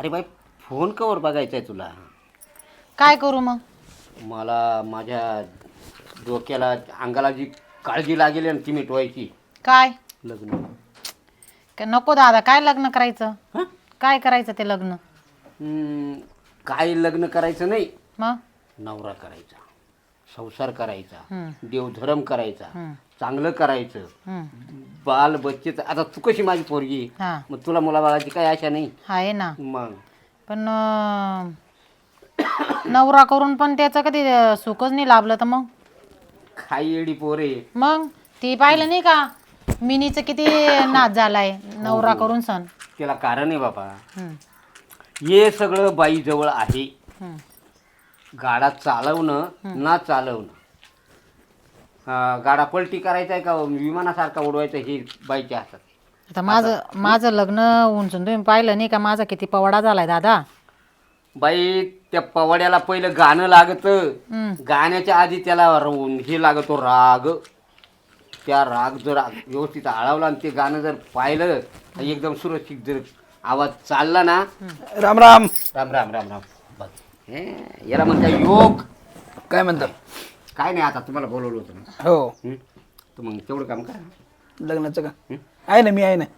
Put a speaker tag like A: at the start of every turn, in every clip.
A: अरे बाई phone cover बघायचा आहे तुला?
B: काय करू मग?
A: मला माझ्या डोक्याला अंगाला जी काळजी लागेल ना ती मिटवायची.
B: काय
A: लग्न
B: नको दादा, काय लग्न करायचं?
A: हं?
B: काय करायचं ते लग्न?
A: काय लग्न करायचं नाही,
B: मग
A: नवरा करायचा, संसार करायचा,
B: हं.
A: देवधर्म करायचा,
B: हं.
A: चांगलं करायचं,
B: हं.
A: बाल बच्चे. आता तू कशी माझी पोरगी,
B: हा
A: मग तुला मुलाबाळाची काय आशा नाही.
B: आहे ना,
A: मग
B: पण नवरा करून पण त्याचं कधी सुखच नाही लाभलं तर मग
A: खाई येडी पोरे.
B: मग ती पाहिलं नाही का मिनीचं किती नाच झालाय नवरा करून सण.
A: त्याला कारण आहे बाबा,
B: हं.
A: हे सगळं बाईजवळ आहे.
B: हं.
A: गाडा चालवणं ना चालवणं, गाडा पलटी करायचा आहे का विमानासारखा उडवायचा हे बाईच्या हातात.
B: आता माझं लग्न उंचून तुम्ही पाहिलं नाही का माझा किती पवाडा झालाय दादा.
A: बाई त्या पवाड्याला पहिलं गाणं लागतं,
B: हं.
A: गाण्याच्या आधी त्याला हे लागतो राग. त्या राग जर व्यवस्थित आळवला आणि ते गाणं जर पाहिलं तर एकदम सुरक्षित जर आवाज चालला ना.
C: राम राम.
A: राम राम राम राम. बघ याला म्हणता योग.
C: काय म्हणता?
A: काय नाही, आता तुम्हाला बोलवलं होतं ना.
C: हो,
A: तर मग तेवढं काम करा.
C: लग्नाचं का आहे ना, मी आहे ना.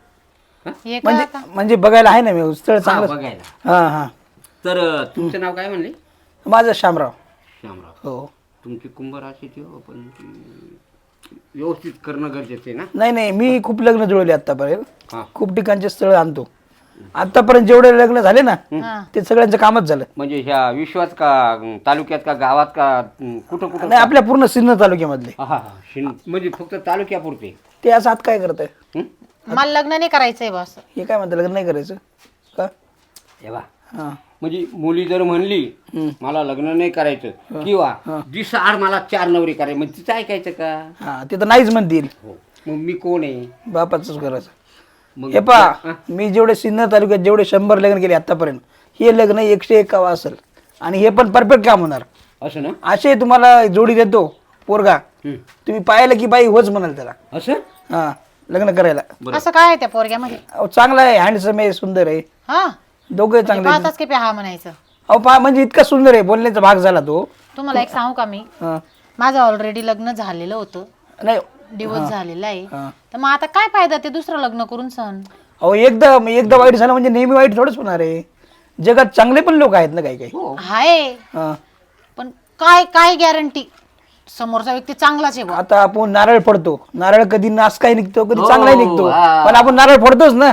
B: हे काय आता?
C: म्हणजे बघायला आहे ना मी, स्थळ चांगलं.
A: बघायला.
C: हां हां.
A: तर तुमचं नाव काय म्हणले?
C: माझं श्यामराव.
A: श्यामराव.
C: हो.
A: तुमची कुंभ राशीची हो, पण ती व्यवस्थित करणं गरजेचं आहे ना.
C: नाही नाही, मी खूप लग्न जुळवले आतापर्यंत.
A: हां.
C: खूप ठिकाणचे स्थळ आणतो. आतापर्यंत जेवढे लग्न झाले ना
B: हा.
C: ते सगळ्यांचं कामच झालं.
A: म्हणजे ह्या विश्वात का तालुक्यात का गावात का कुठं कुठं?
C: नाही, आपल्या पूर्ण सिन्नर तालुक्यामधले.
A: हा हा हा. म्हणजे फक्त तालुक्यापुरते.
C: ते असं आत काय करत आहे?
B: मला लग्न नाही करायचंय बस.
C: हे काय म्हणतं लग्न नाही करायचं का?
A: हे बा,
C: हां.
A: म्हणजे मुली जर म्हणली मला लग्न नाही करायचं किंवा दिसाआड मला 4 नवरी करायची, मग तिचं ऐकायचं का?
C: हां, ते तर नाहीच म्हणतील.
A: हो. मग मी कोण आहे?
C: बापाचंच करायचं.
A: मग
C: हे पहा, मी जेवढे सिन्नर तालुक्यात जेवढे 100 लग्न केले आतापर्यंत, हे लग्न 101 असेल आणि हे पण परफेक्ट काम होणार.
A: असं ना?
C: असे तुम्हाला जोडी देतो पोरगा, तुम्ही पाहिलं की बाई होच म्हणाल त्याला.
A: असं
C: हा, लग्न करायला.
B: असं काय आहे त्या पोरग्यामध्ये?
C: अहो, चांगला आहे, हँडसम आहे, सुंदर आहे,
B: हा
C: दोघे चांगले आहेत.
B: पाहताच की हा म्हणायचं.
C: अहो पहा, म्हणजे इतका सुंदर आहे, बोलण्याचा भाग झाला तो.
B: तुम्हाला एक सांगू का मी,
C: हा.
B: माझं ऑलरेडी लग्न झालेलं होतं,
C: नाही,
B: डिवोर्स झालेला आहे.
C: हा.
B: तर मग आता काय फायदा ते दुसरं लग्न करून सण.
C: अहो एकदा वाईट झालं म्हणजे नेहमी वाईट थोडंच होणार आहे. जगात चांगले पण लोक आहेत ना काही काही.
B: हाय,
C: हा.
B: पण काय काय गॅरंटी समोरचा व्यक्ती चांगलाच आहे बुवा.
C: आता आपण नारळ फोडतो, नारळ कधी नास काय निघतो, कधी
A: हो,
C: चांगलाही निघतो,
A: हा.
C: पण आपण नारळ फोडतोच ना.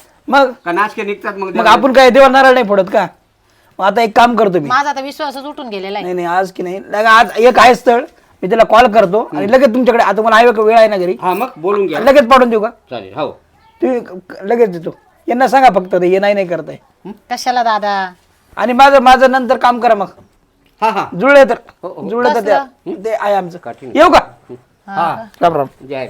A: मग
C: मग
A: नाचके निघतात.
C: मग आपण काय देवा नारळ नाही फोडत का? मग आता एक काम करतो मी.
B: माझा आता विश्वासच उठून गेलेला आहे.
C: नाही नाही, आज की नाही, आज एक आहे स्थळ, मी त्याला कॉल करतो आणि लगेच तुमच्याकडे. आता मला आहे वेळ आहे ना घरी,
A: हा, मग बोलून घ्या.
C: लगेच पाठवून देऊ का?
A: चालेल. हो.
C: तुम्ही लगेच देतो. यांना सांगा फक्त हे नाही नाही करताय.
B: कशाला दादा?
C: आणि माझं नंतर काम करा मग.
A: हा हा.
C: जुळले तर
A: हो, हो.
C: जुळलं तर ते आहे आमचं.
A: काठीण.
C: येऊ का?
A: हा.
C: राम राम.
A: जय.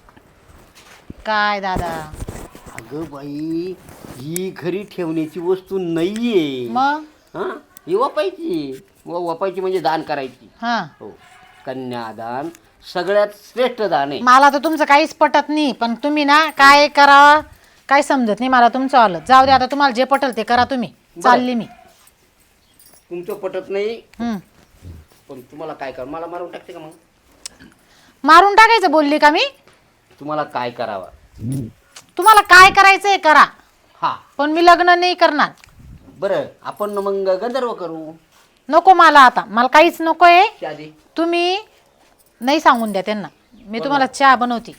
B: काय दादा?
A: अगं बाई, ही घरी ठेवण्याची वस्तू नाहीये.
B: मग
A: हा, ही वापायची. वापायची म्हणजे दान करायची.
B: हा,
A: हो, कन्यादान सगळ्यात श्रेष्ठ दान आहे.
B: मला तर तुमचं काहीच पटत नाही, पण तुम्ही ना काय करा काय समजत नाही मला तुमचं आलं. जाऊ दे, आता तुम्हाला जे पटल ते करा तुम्ही. चालली मी.
A: तुमचं पटत नाही,
B: हम्म.
A: पण तुम्हाला काय कर, मला मारून टाकते का? मग
B: मारून टाकायचं बोलली का मी?
A: तुम्हाला काय करावं?
B: तुम्हाला काय करायचंय करा,
A: हा,
B: पण मी लग्न नाही करणार.
A: बरं, आपण मग गंधर्व करू.
B: नको मला, आता मला काहीच नकोय.
A: शादी.
B: तुम्ही नाही सांगून द्या त्यांना, मी तुम्हाला चहा बनवते.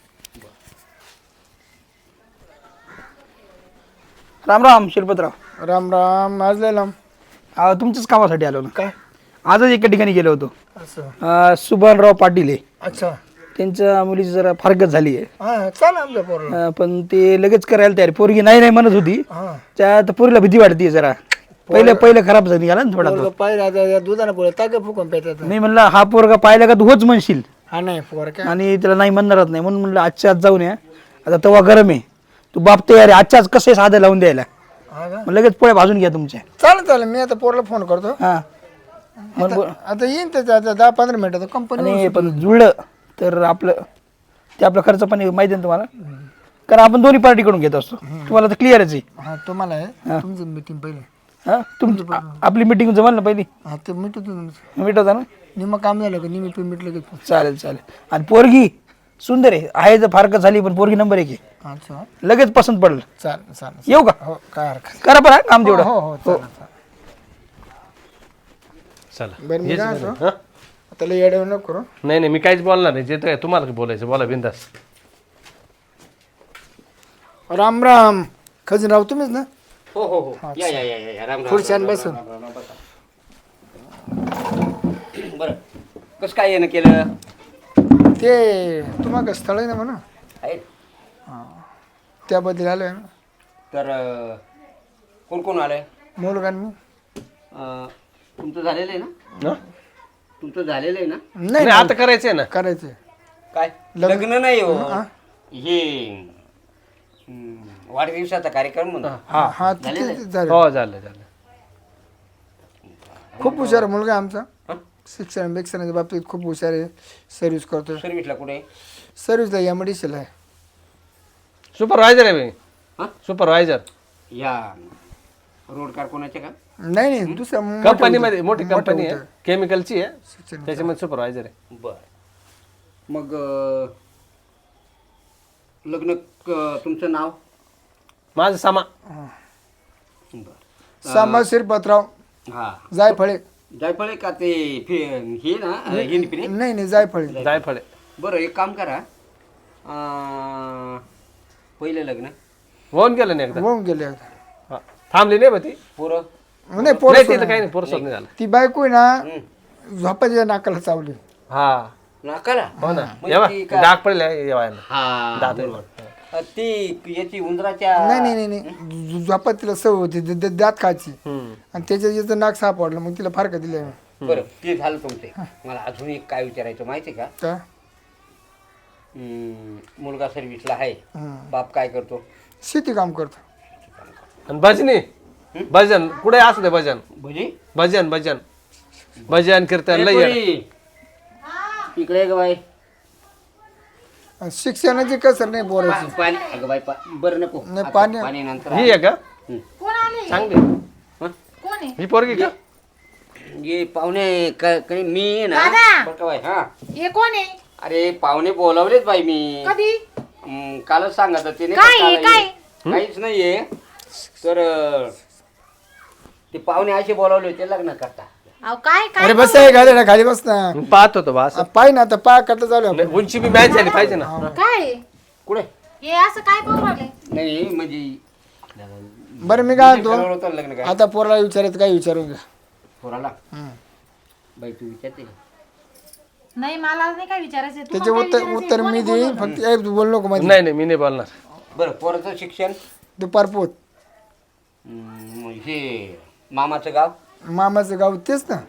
C: राम राम शिरपतराव.
D: राम राम. आज लय लांब.
C: तुमच्याच कामासाठी आलो ना.
D: काय
C: आजच एका ठिकाणी गेलो होतो.
D: असं?
C: सुभानराव पाटील आहे,
D: अच्छा.
C: त्यांच्या मुलीची जरा फारकत झाली आहे.
D: हा, चाल आमच्या पोरला.
C: पण ते लगेच करायला तयार. पोरगी नाही नाही म्हणत होती.
D: हा,
C: त्या पोरीला भीती वाटते जरा. पहिले खराब झाली निघाला ना थोडा तो.
D: पाहिजे आता दुधानं पोळ ताक फुकून पेटायचं.
C: मी म्हणलं हा पोरगा पाहिला का तू होच म्हणशील,
D: हा नाही पोर काय.
C: आणि त्याला नाही म्हणणारच नाही, म्हणून म्हणलं आजच्या आज जाऊन या. आता तवा गरम आहे, तू बाप तयार आहे आजच्या आज कसं साधं लावून द्यायला.
D: हा का?
C: मग लगेच पोळ्या भाजून घ्या तुमच्या.
D: चालेल मी आता पोरला फोन करतो.
C: हा,
D: आता येईन त्याच्या आता 10-15 मिनिटात कंपनी.
C: आणि पण जुळलं तर आपला खर्च पण माहिती आहे ना तुम्हाला, कारण आपण दोन्ही पार्टी कडून घेत असतो. तुम्हाला तर क्लिअरच आहे.
D: हा, तुम्हाला आहे तुमची मीटिंग पहिले.
C: हा आपली मिटिंग जमाल ना पहिली
D: हा ते मिटू तुमचं
C: मिटवता ना
D: निम्म काम झालं का निम्मी पण मिटलं की
C: चालेल चालेल आणि पोरगी सुंदर आहे तर फारकत झाली पण पोरगी नंबर 1 आहे
D: अच्छा
C: लगेच पसंत पडलं
D: चालेल चालेल
C: येऊ का
D: हो काय हरकत
C: करा बरं काम तेवढं
D: हो हो चालेल
E: चला
D: बरं मी काय म्हणतो
E: हा?
D: त्याला येड्या नको करू
E: नाही नाही मी काहीच बोलणार नाही जे तर तुम्हाला बोलायचं बोला बिंदास
D: राम राम खजिनराव तुम्हीच ना
A: हो हो हो या या या या राम राम
D: खुर्च्यान बसून
A: बरं कसं काय येणं केलं
D: ते तुम्हाला स्थळ आहे ना म्हणा
A: आहे
D: त्याबद्दल आलोय ना
A: तर कोण कोण आलंय
D: मुलगा मी
A: तुमचं झालेलं आहे ना
E: हा?
A: तुमचं झालेलं आहे ना
D: नाही
E: नाही आता करायचंय ना
D: करायचंय
A: काय लग्न नाही हो हे वाढदिवसाचा कार्यक्रम म्हणून
D: हा तिथे झालं
E: हो झालं झालं
D: खूप हुशार आहे मुलगा आमचा शिक्षणाच्या बाबतीत खूप हुशार आहे सर्व्हिस करतो
A: सर्विसला कुठे
D: सर्व्हिसला एमडीसीला आहे
E: सुपरवायझर आहे मी
A: हा?
E: सुपरवायझर
A: या रोड कारखान्याचे का
D: नाही नाही दुसऱ्या मोठ्या
E: कंपनीमध्ये मोठी
D: मोठ्या
E: कंपनी आहे
D: होत्या.
E: केमिकलची आहे
D: शिक्षण
E: त्याच्यामध्ये सुपरवायझर आहे
A: बर मग लग्न तुमचं नाव
E: माझं सामा
A: बर
D: सामा शिरपतराव
A: हा
D: जायफळे
A: जायफळे का ते हे ना हिंदपिरे
D: नाही नाही जायफळे
E: जायफळे
A: बरं एक काम करा पहिलं लग्न
E: होऊन गेलं नाही एकदा
D: होऊन गेले
E: हा. थांबली नाही बा ती
A: पोरं
D: नाही पोर
E: नाही तिथं काही नाही पोरसोड नाही झालं
D: ती बायको आहे ना झोपाच्या नाकाला चावली
E: हा
A: नाकाला
E: हो ना
A: म्हणजे
E: येवा
A: ती का-
E: डाग पडले येवायला
A: हा
E: दात
A: बरोबर. ती याची उंदराच्या
D: नाही नाही नाही नाही झोपात तिला सवय होती दात खायची
E: हम्म.
D: आणि त्याच्या याचं नाक सापडलं मग तिला फारका दिले
A: बरं ते झालं तुमचे मला अजून एक काय विचारायचं माहिती का
D: का
A: मुलगा सर्व्हिसला आहे
D: हम्म.
A: बाप काय करतो
D: शेती काम करतो
E: आणि भजनी भजन कुठे असू दे भजन
A: भजी
E: भजन भजन भजन कीर्तन लय येडं.
A: इकडे ग बाई
D: आणि शिक्षणाची कसर नाही पोराची
A: पाणी अगं बाई बरं नको
D: नाही,
A: आता
D: पाणी-
A: पाणी नंतर
E: ही आहे का
B: कोण आले
E: चांगली
B: कोण आहे
E: ही पोरगी का
A: ये पाहुणे काही मी आहे ना
B: दादा!
A: बरं का बाई हा
B: हे कोण आहे
A: अरे पाहुणे बोलावलेच बाई मी
B: कधी
A: कालच सांगत होते नाही
B: काय
A: का
B: आहे,
A: काल
B: काय?
A: ये. काहीच नाहीये तर ते पाहुणे असे बोलावले होते लग्न करता
B: अहो काय काय
D: अरे बस आहे गाडी खाली बस ना
E: मी पाहत होतो बा असं
D: पाय ना आता पाय करता चालू आहे.
E: नाही, उंची बी मॅच झाली पाहिजे ना
B: काय आहे?
A: कुठे
B: हे असं काय करू राहिले
A: नाही म्हणजे
D: बरं मी काय
A: ठरवलं
D: म्हणतो
A: होतं लग्न काय
D: आता पोराला विचारायचं काय विचारून घ्या
A: पोराला
D: हम्म.
A: बाई तू विचारते का
B: नाही मला नाही काय विचारायचं
D: त्याचे
B: तुम्हाला काय
D: उत्तर
B: विचारायचंय?
D: उत्तर
B: कोणी
D: मी देईन
B: बोलवलं?
D: फक्त एक बोल नको मध्ये
E: नाही नाही मी नाही बोलणार
A: बरं पोराचं शिक्षण
D: दुपार पोत
A: हे मामाचं गाव
D: मामाचं गाव तेच ना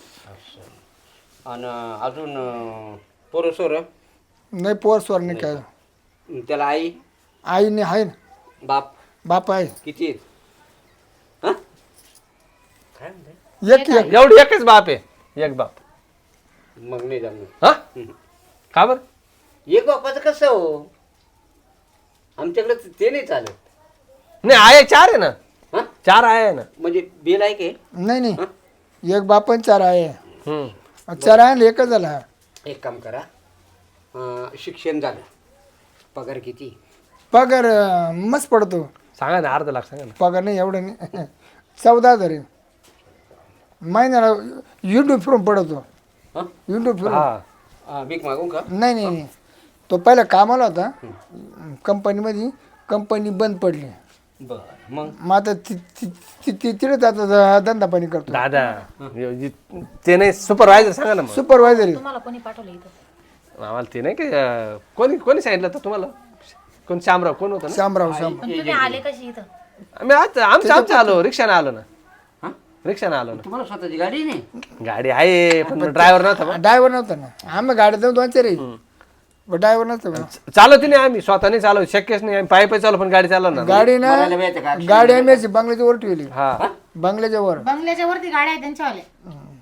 A: आणि अजून पोरं सोरं
D: नाही पोर स्वर नाही काय
A: त्याला आई
D: आईने आहे ना
A: बाप
D: बाप आहे
A: किती आहेत हा? काय म्हणताय
D: एक एक
E: एवढी एकच बाप आहे एक बाप
A: मग नाही जमणार
E: हा का बर
A: एक बापाचं कसं हो आमच्याकडे ते नाही चालत
E: नाही आहे चार आहे ना
A: हा
E: चार आहे ना
A: म्हणजे बिल आहे की
D: नाही नाही एक बाप आणि चार आहे
E: हम्म.
D: चार आहे आणि एकच झाला
A: एक काम करा शिक्षण झालं पगार किती
D: पगार मस्त पडतो
E: सांगा ना अर्धा लाख सांगा ना
D: पगार नाही एवढं नाही 14,000 आहे महिन्याला युट्यूब फिरून पडतो
A: हा
D: युट्यूब फिरून
E: हा
A: भीक मागू का
D: नाही नाही नाही तो पहिला कामाला होता कंपनीमध्ये कंपनी बंद पडली
A: बर मग
D: मग आता तिथेच आता धंदा पाणी करतो
E: दादा ते नाही सुपरवायझर सांगा ना मग
D: सुपरवायझर
B: तुम्हाला कोणी पाठवलं इथं
E: आम्हाला ते नाही की कोणी कोणी सांगितलं होतं तुम्हाला कोण श्यामराव कोण होतं ना
D: शामराव
B: पण तुम्ही आले कशी इथं
E: आम्ही आज आमचं आलो रिक्षाने आलो ना
A: हा
E: रिक्षाने आलो ना
A: तुम्हाला स्वतःची गाडी नाही
E: गाडी आहे पण ड्रायव्हर नव्हता बा.
D: ड्रायव्हर नव्हता ना आम्ही गाडी जाऊन 2-4 ड्रायव्हर नव्हता
E: चालवती नाही आम्ही स्वतःने चालव शक्यच नाही आम्ही पायी पायी चालू पण गाडी चालवणार नाही.
D: गाडी ना
A: बघायला मिळते का
D: गाडी आम्ही अशी बंगल्याच्या वर ठेवली
E: हा
D: बंगल्याच्या वर
B: बंगल्याच्या वरती गाड्या आहेत त्यांच्यावाल्या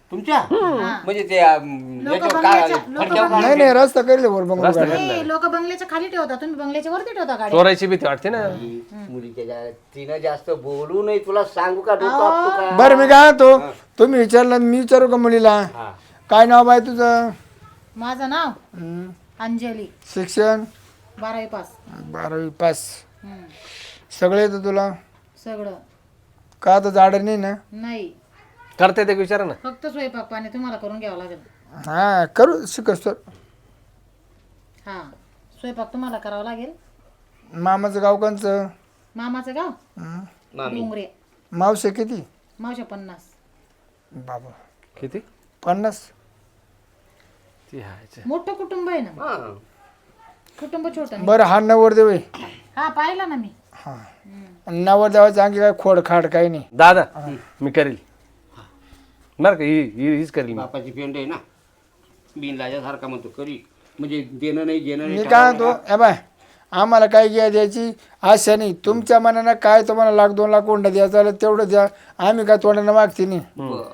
A: तुमच्या म्हणजे ते याच्यावर
D: नाही नाही रस्ता करेल वर बंगलो
E: रस्ता
D: गाडी.
E: करणार.
B: लोक बंगल्याच्या खाली ठेवता, तुम्ही बंगल्याच्या वरती ठेवता गाडी.
E: चोरायची भीती वाटते ना.
A: मुलीच्या तिनं जास्त बोलू नाही, तुला सांगू का डोकं आपटू का?
D: बरं मी काय तो तुम्ही विचारलं मी विचारू का मुलीला
A: हा.
D: काय नाव आहे तुझं?
B: माझं नाव
D: हं.
B: अंजली,
D: शिक्षण
B: 12वी पास.
D: 12वी पास. सगळे येतं तुला?
B: सगळं
D: का तर झाड नाही ना?
B: नाही,
E: करते ते विचारा ना.
B: फक्त स्वयंपाक पाणी तुम्हाला करून घ्यावं लागेल.
D: हा करू शिकस तर.
B: हा, स्वयंपाक तुम्हाला करावा लागेल.
D: मामाचं गाव कोणचं?
B: मामाचं गाव
A: मामी
B: डोंगरे.
D: मावशे किती?
B: मावशा 50.
D: बाबा
E: किती
D: 50.
E: ती आहे.
B: मोठं कुटुंब आहे ना,
A: हा.
B: कुटुंब छोटं.
D: बरं हा नवरदेव आहे.
B: हा, पाहिलं ना मी.
D: हा नवरदेवाचं आणखी काय खोड खाड काही नाही.
E: दादा मी करेल बरं का. हीच करेल मी.
A: बापाची पेंड आहे ना, बिन लाजासारखा म्हणतो करी, म्हणजे देणं नाही घेणं
D: मी
A: नाही.
D: काय म्हणतो ए बाय आम्हाला काय घ्या द्यायची आशा नाही. तुमच्या मनानं काय तुम्हाला 1,00,000 2,00,000 कोंडा द्यायचा आलं तेवढं द्या. आम्ही काय तोंडानं मागते नाही.
A: बरं.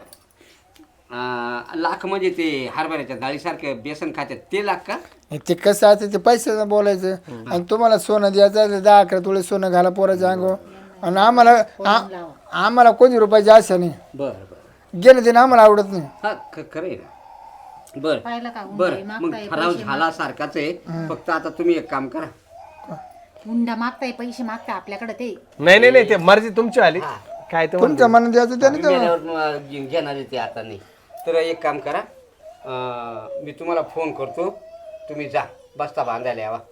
A: लाख म्हणजे ते हरभऱ्याच्या डाळीसारखे बेसन खात्यात ते लाख का?
D: ते कसं असतं ते पैशाचं बोलायचं. आणि तुम्हाला सोनं द्यायचं आहे 10-11 तोळे सोनं घाला पोराच्या अंगावर. आणि आम्हाला कोणी रुपयाची आशा नाही.
A: बरं बरं.
D: गेलं ते आम्हाला आवडत नाही.
A: हा खरं आहे ना. बरं
B: पाहिलं का?
A: बरं मग ठराव झाला सारखाच आहे. फक्त आता तुम्ही एक काम करा,
B: हुंडा मागताय, पैसे मागताय आपल्याकडे ते.
E: नाही नाही ते मर्जी तुमची आली. काय ते
D: तुमच्या मनात द्यायचं त्याने तेवढं.
A: मेल्यावर घेणार आहे ते आता नाही. तर एक काम करा, मी तुम्हाला फोन करतो, तुम्ही जा बस्ता बांधायला यावा.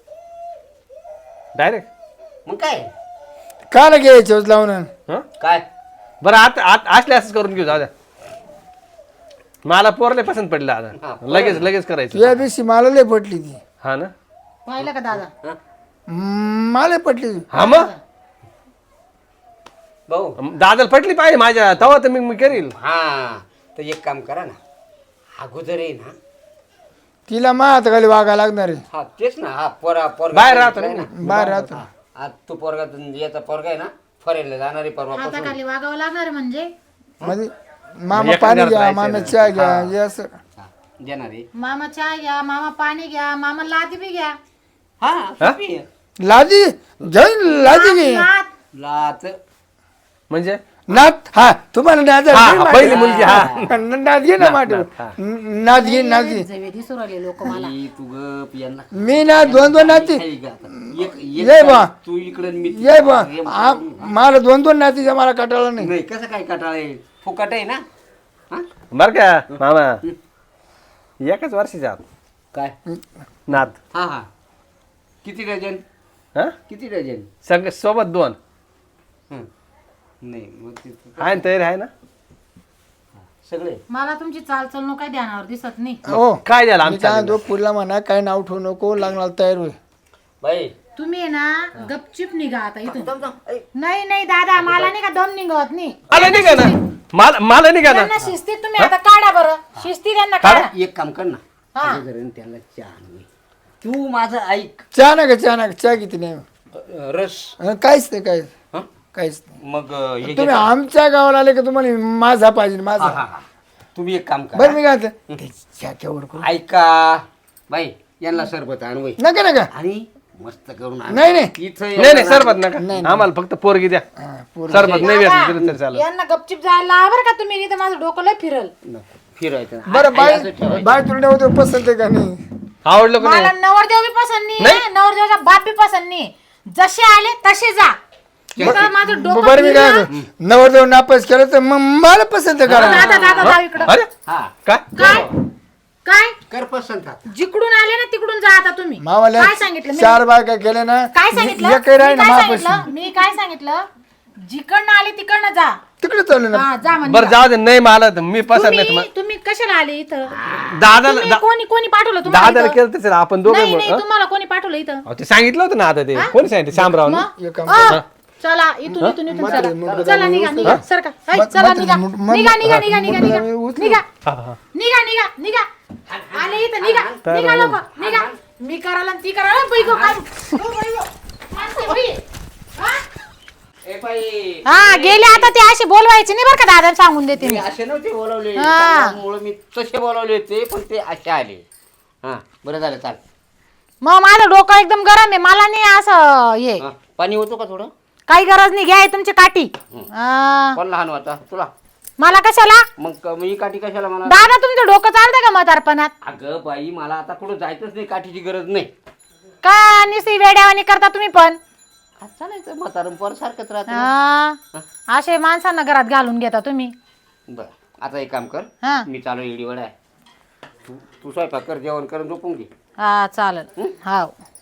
E: डायरेक्ट
A: मग काय
D: काला घ्यायचे लावून?
E: हं?
A: काय
E: बरं आता असले असंच करून घेऊ. जाऊ द्या. मला पोरले पसंत पडलं
A: हा,
E: आता. लगेच करायचं.
D: या दिवशी मला लय पटली ती.
E: हा ना.
B: पाहिलं का दादा?
A: हा?
D: मला पटली.
E: हा मग
A: भाऊ
E: दादाला पटली पाहिजे माझ्या, तेव्हा तर मी करील.
A: हा तर एक काम करा ना, अगोदर आहे ना.
D: तिला मा हाताखाली वागा लागणार आहे.
A: हा तेच ना. हा पोरगा
E: बाहेर राहतो
A: ना.
D: बाहेर राहतो.
A: आज तो पोरगा याचा पोरगा आहे ना, फरेल जाणारी परवा
B: हाताखाली वागावं लागणार म्हणजे
D: म्हणजे मामा पाणी घ्या, मामा चहा घ्या, हे असं.
A: देणार आहे.
B: मामा चहा घ्या, मामा पाणी घ्या, मामा लादी बी घ्या.
A: हा
D: लादी जाईन लादी घे.
B: लाद.
A: लाच
E: म्हणजे
D: नात हा तुम्हाला नाद
E: हा, पहिली मुलगी. हा
D: नाद घे ना माठ नाद घे नाद घे.
B: जवे दिसू राहिले लोक मला.
A: तू गप यांना
D: मी ना 2-2 नाती ये बा
A: तू इकडे मी
D: ये बा मला 2-2 नातीचा मला कटाळा नाही.
A: नाही. कसं काय कटाळ आहे, फुकट आहे ना. हा
E: बर का मामा, एकाच वर्षाच्या आत
A: काय
E: नाद.
A: हा हा किती डझन?
E: हा
A: किती डझन?
E: सगळे सोबत 2.
A: हं. नाही मग ते
E: आहे ना, तयारी आहे ना.
A: सगळे
B: मला तुमची चालचलणं काय ध्यानावर दिसत नाही.
D: हो
E: काय झालं
D: मी
E: आमच्या
D: काय तो पुढला म्हणा काय नाव ठेवू नको लागणार तयार होईल.
A: बाई.
B: तुम्ही आहे ना गपचिप निघा आता इथून. नाही नाही दादा, मला नाही का दम निघत नाही.
E: मला निघा ना. मला निघा ना.
B: त्यांना शिस्तीत तुम्ही आता काढा बरं. शिस्ती त्यांना काढा.
A: एक काम कर ना,
B: हा.
A: अगोदर त्याला चहा आणू. तू माझं ऐक.
D: चहा नका चहा किती नाही.
A: रस
D: काहीच नाही काहीच
A: हं?
D: काहीच नाही.
A: मग हे
D: तुम्ही
A: घे.
D: आमच्या गावाला आले का तुम्हाला माझा पाहिजे
A: हा,
D: माझा.
A: हा, हा. तुम्ही एक काम
D: बरं
A: करा,
D: मी काय म्हणतो, ते चहा केवढं करू?
A: ऐका बाई, यांना सरबत आणू
D: नका नका
A: आणि मस्त करून आण.
D: नाही नाही
A: इथं
E: नाही सरबत नका. आम्हाला फक्त पोरगी द्या.
D: हा, पोरं.
E: सरबत नाही व्यसन दिलं तरी चालेल.
B: यांना गपचिप जायला लावा बरं का तुम्ही. नाही तर माझं डोकं लय फिरल.
A: फिरायचं.
D: बरं बाय तुला नव्हतं पसंत आहे का नाही?
E: आवडलं का
B: मला
E: नाही?
B: नवरदेव बी पसंत नाही, नवरदेवाचा बाप बी पसंत नाही. जसे आले तसे जा. आता माझं डोकं
D: बरं मी काय
B: फिरलं.
D: म्हणतो, नवरदेव नापास केलं तर मग मला पसंत करा.
B: दादा दादा जाऊ इकडं.
E: अरे
A: हा
E: काय
B: काय काय
A: कर पसंत आता.
B: जिकडून आले ना तिकडून जा आता तुम्ही.
D: मावाला
B: काय सांगितलं मी?
D: 4 बायका केले ना
B: काय सांगितलं?
D: एकही राही ना
B: मी काय
D: मापाशी.
B: सांगितलं? मी काय सांगितलं? जिकडनं आले तिकडनं जा.
D: तिकडे चालू ना.
B: हा, जा म्हणजे
E: बरं जाऊ दे. नाही मला तर मी पसंत नाही
B: तुम्ही तुम्ही कशाला आले इथं?
E: दादाला
B: तुम्ही कोणी पाठवलं तुम्हाला
E: दादाला
B: इथं?
E: केलं तसं आपण दोघं
B: नाही
E: मिळून.
B: नाही, तुम्हाला कोणी पाठवलं इथं?
E: अहो, ते सांगितलं होतं ना आता ते. कोणी सांगितलं? शामराव ना.
B: मग?
D: एक काम
B: चला इथून चला. चला निघा सरका. चला निघा निघा निघा निघा निघा निघा निघा
E: हा, हा.
B: निघा आले इथं निघा लोक निघा. मी करायला ती करायला बाई गो काय. ओ बाई गो. माणसं बाई. हा?
A: ए बाई,
B: हा गेले आता ते अशी बोलवायची नाही बरं का दादा सांगून देते
A: मी
B: मी.
A: असे नव्हते बोलावले
B: हा.
A: त्यामुळे मी तसे बोलावले होते पण ते असे आले. हा बरं झालं चाल.
B: मग माझं डोकं एकदम गरम आहे, मला नाही असं हे
A: हा, पाणी होतो का थोडं?
B: काही गरज नाही, घ्या तुमची काठी. हा.
A: कोण लहान होता तुला?
B: मला कशाला
A: मग मी काठी कशाला म्हणा?
B: दादा तुमचं डोकं चालतंय का म्हातारपणात?
A: अगं बाई मला आता कुठं जायचंच नाही, काठीची गरज नाही.
B: का निसी वेड्यावानी करता तुम्ही पण?
A: चालायचं म्हातारं पर सारखंच राहतं.
B: हा. असे माणसांना घरात घालून घेता तुम्ही.
A: बरं आता एक काम कर,
B: हा
A: मी चालू इडीवडा आहे, तू स्वयंपाक कर, जेवण कर, झोपून घे.
B: हा चालेल. हा